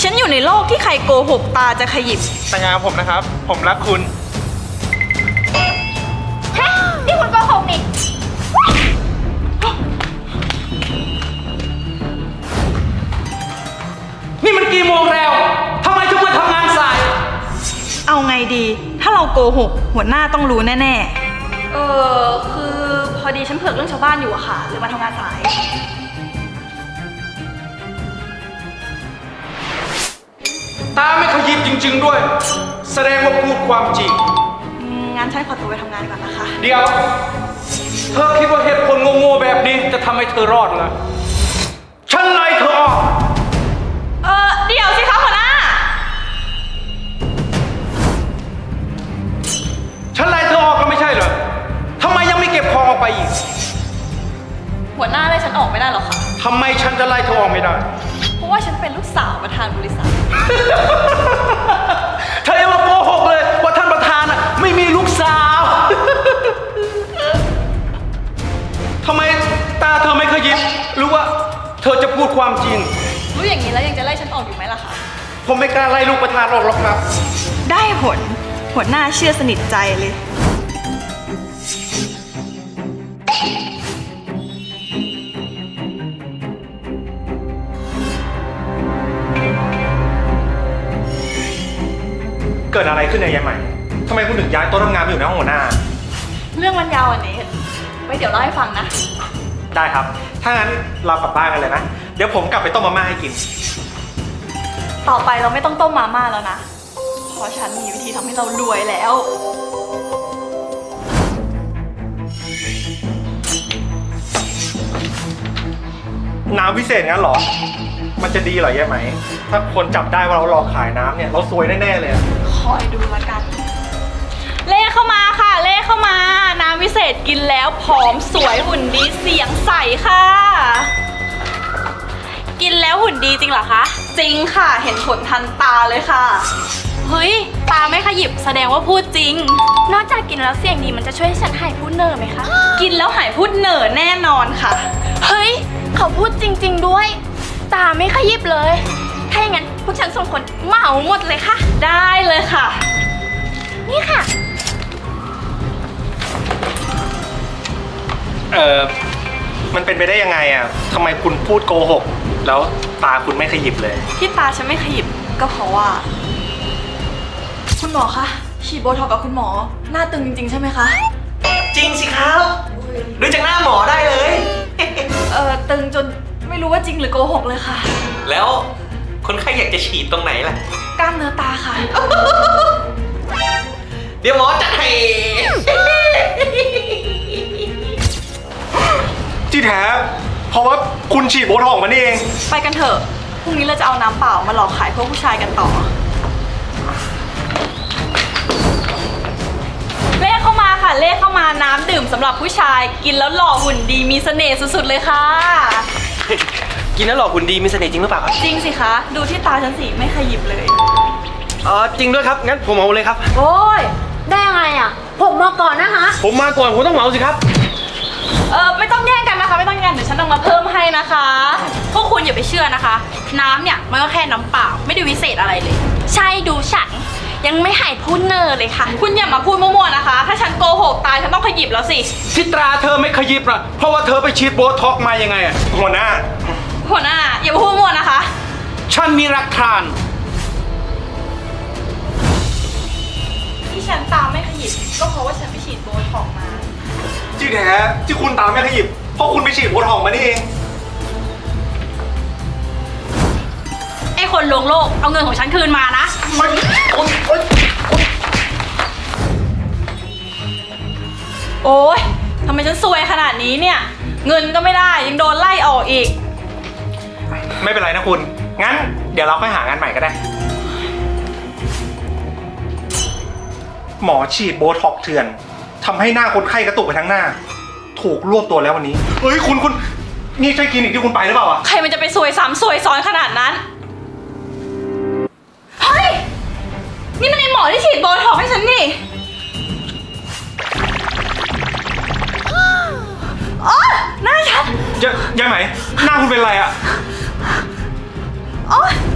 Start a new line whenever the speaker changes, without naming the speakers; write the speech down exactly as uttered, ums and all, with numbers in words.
ฉันอยู่ในโลกที่ใครโกหกตาจะขยิบ
แต่งงานกับผมนะครับ ผมรักคุณ
ฮะนี่คุณโกหกนี่
นี่มันกี่โมงแล้วทำไมถึงมาทำงานสาย
เอาไงดีถ้าเราโกหกหัวหน้าต้องรู้แน่ๆเออคือพอดีฉันเผือกเรื่องชาวบ้านอยู่อะค่ะเลยมาทำงานสาย
ตาไม่ขยิบจริงๆด้วยแสดงว่าพูดความจริง
งั้นฉันขอตัวไปทำงานก่อนนะคะ
เดี๋ยวเธอคิดว่าเหตุผลโง่ๆแบบนี้จะทำให้เธอรอดเหรอฉันไล่เธอออก
เออเดี๋ยวสิคะหัวหน้า
ฉันไล่เธอออกก็ไม่ใช่เหรอทำไมยังไม่เก็บของออกไปอีก
หัวหน้าไล่ฉันออกไม่ได้หรอคะ
ทำไมฉันจะไล่เธอออกไม่ได้
เพราะว่าฉันเป็นลูกสาวประธานบริษัท
เธออย่ามาโกหกเลยว่าท่านประธานอ่ะไม่มีลูกสาวทำไมตาเธอไม่ขยิบหรือว่าเธอจะพูดความจริง
รู้อย่างนี้แล้วยังจะไล่ฉันออกอยู่ไหมล่ะคะ
ผมไม่กล้าไล่ลูกประธานออกหรอกครับ
ได้ผลหัวหน้าเชื่อสนิทใจเลย
เกิดอะไรขึ้นเนี่ยยายใหม่ทำไมคุณถึงย้ายโต๊ะทำงานไปอยู่ในห้องหัวหน้า
เรื่องมันยาวอันนี้ไว้เดี๋ยวเล่าให้ฟังนะ
ได้ครับถ้างั้นเรากลับบ้านกันเลยนะเดี๋ยวผมกลับไปต้มมาม่าให้กิน
ต่อไปเราไม่ต้องต้มมาม่าแล้วนะเพราะฉันมีวิธีทำให้เรารวยแล้ว
น้ำพิเศษงั้นเหรอมันจะดีเหรอยายไหมถ้าคนจับได้ว่าเราหลอกขายน้ำเนี่ยเราซวยแน่ๆเลย
คอยดูละกันเล่เข้ามาค่ะเล่เข้ามาน้ำวิเศษกินแล้วผอมสวยหุ่นดีเสียงใสค่ะกินแล้วหุ่นดีจริงเหรอคะจริงค่ะเห็นผลทันตาเลยค่ะเฮ้ยตาไม่ขยิบแสดงว่าพูดจริง
นอกจากกินแล้วเสียงดีมันจะช่วยให้ฉันหายพูดเนอร์ไหมคะ
กินแล้วหายพูดเนอร์แน่นอนค่ะ
เฮ้ยเขาพูดจริงๆด้วยตาไม่ขยิบเลยถ้าอย่างนั้นพวกฉันสองคนเหมาหมดเลยค่ะ
ได้เลยค่ะ
นี่ค่ะ
เออมันเป็นไปได้ยังไงอ่ะทำไมคุณพูดโกหกแล้วตาคุณไม่ขยิบเลย
ที่ตาฉันไม่ขยิบก็เพราะว่าคุณหมอคะฉีดโบท็อกกับคุณหมอหน้าตึงจริงๆใช่ไหมคะ
จริงสิครับดูจากหน้าหมอได้เลย
เออตึงจนไม่รู้ว่าจริงหรือโกหกเลยค่ะ
แล้วคนไข้อยากจะฉีดตรงไหนล่ะ
กล้ามเนื้อตาค่ะ
เดี๋ยวหมอจัดให้
ที่แท้เพราะว่าคุณฉีดโบท็อกมานี่เอง
ไปกันเถอะพรุ่งนี้เราจะเอาน้ำเปล่ามาหลอกขายพวกผู้ชายกันต่อเลขเข้ามาค่ะเลขเข้ามาน้ำดื่มสำหรับผู้ชายกินแล้วหล่อหุ่นดีมีเสน่ห์สุดๆเลยค่ะ
กินแล้วหล่อหุ่นดีมีเสน่ห์จริงหรือเปล่า
จริงสิคะดูที่ตาฉันสิไม่ขยิบเลย
อ๋อจริงด้วยครับงั้นผมเอาเลยครับ
โอ้ยได้ไงอ่ะผมมาก่อนนะคะ
ผมมาก่อนผมต้องเหมาสิครับ
เออไม่ต้องแย่งกันนะคะไม่ต้องแย่งเดี๋ยวฉันต้องมาเพิ่มให้นะคะพวกคุณอย่าไปเชื่อนะคะน้ำเนี่ยมันก็แค่น้ำเปล่าไม่ได้วิเศษอะไรเลย
ใช่ดูฉันยังไม่หายพูดเนอร์เลยค่ะ
คุณอย่ามาพูดมั่วๆนะคะถ้าฉันโกหกตายฉันต้องขยิบแล้วสิ
ที่ตราเธอไม่ขยิบอ่ะเพราะว่าเธอไปฉีดโบท็อกมายังไงอ่ะ
หัวหน้า
หัวหน้าอย่าพูดมั่วนะคะ
ฉันมีหลักฐาน
ที่ฉันตาไม่ขยิบก็เพราะว่าฉันไปฉีดโบท็อกมา
ที่แท้ที่คุณตาไม่ขยิบเพราะคุณไปฉีดโบท็อกมานี่เอง
ไอ้คนลวงโลกเอาเงินของฉันคืนมานะ
มันโอ๊ยโอ๊ย
โอ๊ยทำไมฉันซวยขนาดนี้เนี่ยเงินก็ไม่ได้ยังโดนไล่ออกอีก
ไม่เป็นไรนะคุณงั้นเดี๋ยวเราค่อยหางานใหม่ก็ได้หมอฉีดโบท็อกเถื่อนทำให้หน้าคนไข้กระตุกไปทั้งหน้าถูกรวบตัวแล้ววันนี้เฮ้ยคุณคุณนี่ใช่คลินิกที่คุณไปหรือเปล่าอ่ะ
ใครมันจะไปซวยซ้ำซวยซ้อนขนาดนั้นเฮ้ยนี่มันไอหมอที่ฉีดโบท็อกให้ฉันนี่อ๋อหน้าฉัน
ยังยังไหนหน้าคุณเป็นไรอ่ะ
อ๋อ